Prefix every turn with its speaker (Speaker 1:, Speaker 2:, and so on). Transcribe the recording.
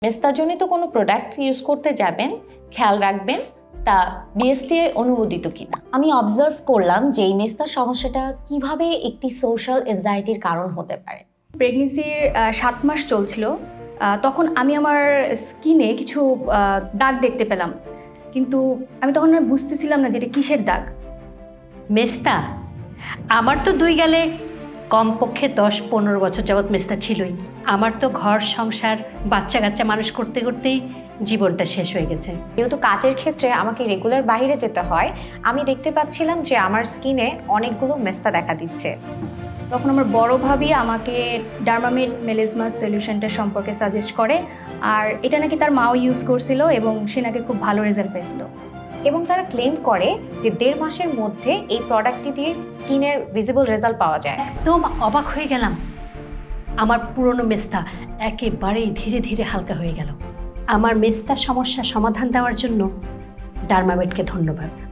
Speaker 1: মেস্তাজনিত কোনো product use করতে যাবেন, খেয়াল রাখবেন তা বিএসটিআই অনুমোদিত কিনা।
Speaker 2: আমি অবজার্ভ করলাম যে এই মেস্তার সমস্যাটা কিভাবে একটি সোশ্যাল এনজাইটির কারণ হতে পারে।
Speaker 3: প্রেগনেন্সির 7 মাস চলছিল, তখন আমি আমার স্কিনে কিছু দাগ দেখতে পেলাম, কিন্তু আমি তখন বুঝতেছিলাম না যে এটা কিসের দাগ।
Speaker 4: মেস্তা আমার তো 2 গেলে কমপক্ষে 10-15 বছর যাবৎ মেস্তা ছিলই। আমার তো ঘর সংসার বাচ্চা কাচ্চা মানুষ করতে করতেই জীবনটা শেষ হয়ে গেছে।
Speaker 2: যেহেতু কাজের ক্ষেত্রে আমাকে রেগুলার বাইরে যেতে হয়, আমি দেখতে পাচ্ছিলাম যে আমার স্কিনে অনেকগুলো মেস্তা দেখা দিচ্ছে।
Speaker 3: তখন আমার বড় ভাবি আমাকে ডার্মামেড মেলিজমাস সলিউশনটা সম্পর্কে সাজেস্ট করে, আর এটা নাকি তার মাও ইউজ করছিল এবং সে নাকি খুব ভালো রেজাল্ট পেয়েছিল।
Speaker 2: এবং তারা ক্লেম করে যে 1.5 মাসের মধ্যে এই প্রোডাক্টটি দিয়ে স্কিনের ভিজিবল রেজাল্ট পাওয়া যায়।
Speaker 4: একদম অবাক হয়ে গেলাম, আমার পুরনো মেস্তা একেবারেই ধীরে ধীরে হালকা হয়ে গেল। আমার মেস্তার সমস্যার সমাধান দেওয়ার জন্য ডার্মামেডকে ধন্যবাদ।